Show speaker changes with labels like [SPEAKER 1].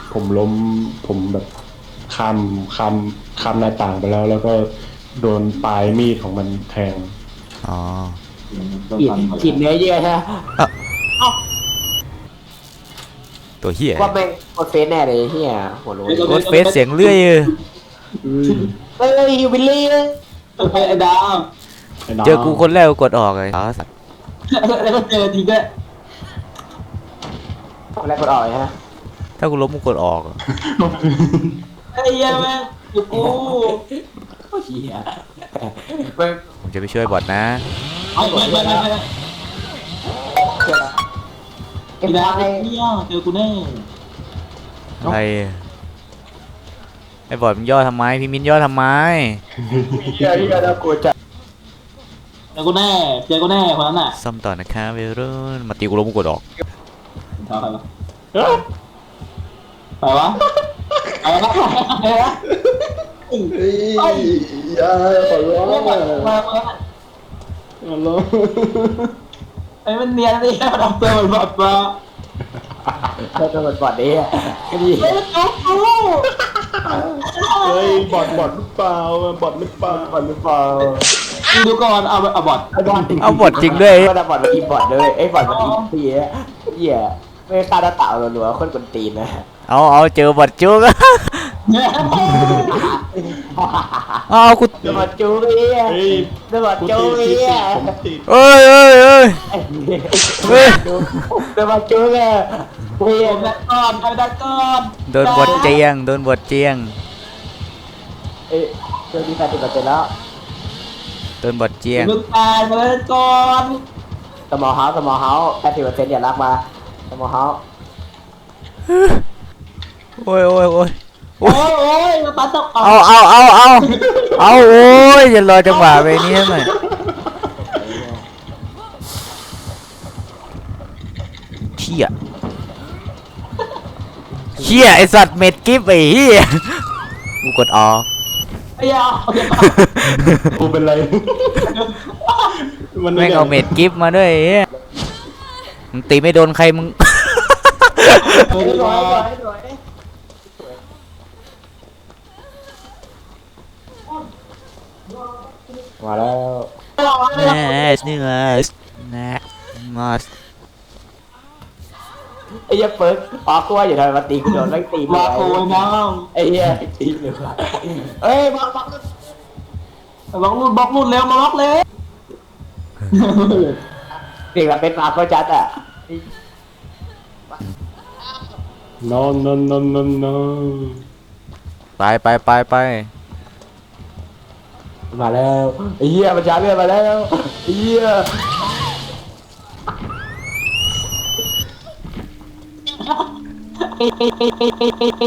[SPEAKER 1] ผมล้มผมแบบข้ามข้ามข้ามหน้าต่างไปแล้วแล้วก็โดนปลายมีดของมันแทง
[SPEAKER 2] อ๋อ
[SPEAKER 3] กินเนื้อเยื่อใช่ไหม
[SPEAKER 2] เอ้า
[SPEAKER 3] เอ้า
[SPEAKER 2] ตัวเหี้ย
[SPEAKER 3] ว่าแม่งโคตรเฟซแน่เลยเฮียหัวโล้น
[SPEAKER 2] โคตรเฟซเสียงเลื่อยเออ
[SPEAKER 3] เฮ้ยฮิวบิลลี่เลย
[SPEAKER 4] ไอ้ดาว
[SPEAKER 2] เจอกูคนแรกกูกดออกเลยอ๋อสัตว์
[SPEAKER 4] แล้วก็เจอทีด้วย
[SPEAKER 3] อะไรกดออกฮะ
[SPEAKER 2] ถ้ากูล้มกูกดออก
[SPEAKER 4] ไอ้เหี้ยแม่งอยู่กู
[SPEAKER 3] เฮียแม่ง
[SPEAKER 2] ผมจะไปช่วยบอทนะ
[SPEAKER 4] เอาไปไปไปไป
[SPEAKER 3] เก็บ
[SPEAKER 4] ไอ้ดาว
[SPEAKER 3] ไว้
[SPEAKER 4] เนี่ยเจอกูแน่
[SPEAKER 2] อะไรไอ้บอทมันย่อทำไมพี่มิ้นย่อทำไม
[SPEAKER 3] เฮียน่ากลัวจัด
[SPEAKER 4] เจอกูแน่เจอกูแน่คนนั้นน่ะ
[SPEAKER 2] ซ่อมต่อนะคะเวรุ่นมาตีกูล้มกูกดออก
[SPEAKER 4] เอาไปวะไปวะไปวะไปวะ
[SPEAKER 1] เฮ้ยอย่าขอร้อง
[SPEAKER 4] มา
[SPEAKER 1] อ่ะ
[SPEAKER 4] มา
[SPEAKER 1] ขอร้อง
[SPEAKER 4] ไอ้มันเนียนดิมันเอาตัวมันบอดมา
[SPEAKER 3] เธอจะกดบอดนี้ก็ดี
[SPEAKER 4] เฮ้ยมันจุ๊บกู
[SPEAKER 1] เฮ้ยบอดหรือเปล่าบอดหรือเปล่า
[SPEAKER 3] บอดหรือเปล่า
[SPEAKER 4] ดูก่อนเอาบอด
[SPEAKER 3] บอด
[SPEAKER 2] เอาบอทจริงด้วย
[SPEAKER 3] ก็ได้บอดมาทีบอดเลยไอ้บอดมาทีพี่เฮียไม่ฆ่าหน้าเต่าหรัวๆคนกวนตีนนะ
[SPEAKER 2] เอาเจอบอทจุก
[SPEAKER 4] เนี่ย
[SPEAKER 2] เอากู
[SPEAKER 3] เดี๋ยวบอดจูเฮีย
[SPEAKER 1] เฮ้ย
[SPEAKER 3] เดี๋ยวบอด
[SPEAKER 1] กู
[SPEAKER 3] จู
[SPEAKER 1] ติด
[SPEAKER 3] เฮีย
[SPEAKER 1] ผมติด
[SPEAKER 2] เอ้ยเอ้ยเอ้ย เฮ้ย
[SPEAKER 3] เดี๋ยวบอดจูเฮียเฮีย
[SPEAKER 4] เอาดักก่อน
[SPEAKER 2] โดนบอทเจียงโดนบอทเจียง
[SPEAKER 3] เอ้ยเจอที่80%แล้ว
[SPEAKER 2] โดนบอทเจียง
[SPEAKER 4] มึงตายมาเลยก่อน
[SPEAKER 3] สมอเฮาส์80%อย่ารักมาสมอเฮาส์
[SPEAKER 2] โอ้ยโอ้ยโอ้ย
[SPEAKER 4] โอ้ยโอ้ยมาปัดตก
[SPEAKER 2] เอาโอ้ยอย่ารอจังหวะไปนี้หน่อยเชี่ยไอสัตว์เม็ดกิฟไอ้เหี้ยกูกดออก
[SPEAKER 4] ไอ้ยาโอเค
[SPEAKER 1] กูเป็นไร มัน
[SPEAKER 2] แม่งเอาเม็ดกิฟมาด้วยไอ้เหี้ยมึงตีไม่โดนใครมึง
[SPEAKER 3] สวยมาแล้ว
[SPEAKER 2] แน่นี่ไงนะมาส
[SPEAKER 3] ไอ้เหี้ยเปิร์กอ๋อกูว่าอยู่ทำไมมาตีกูโดนไม่งตี
[SPEAKER 4] มาโกยน้อง
[SPEAKER 3] ไอ้เหี้ยตีเลยว่ะเอ้ยบัก
[SPEAKER 4] บล็อกรุ่นเร็วมาบล็อกเลย
[SPEAKER 3] เด็กแบบเป็นมาก็จัดอ่ะ
[SPEAKER 1] นอนนอนนอนนอนนอน
[SPEAKER 2] ไป
[SPEAKER 3] มาแล้วไอ้เหี้ยมันช้าเรื่อยมาแล้วไอ้เหี้ย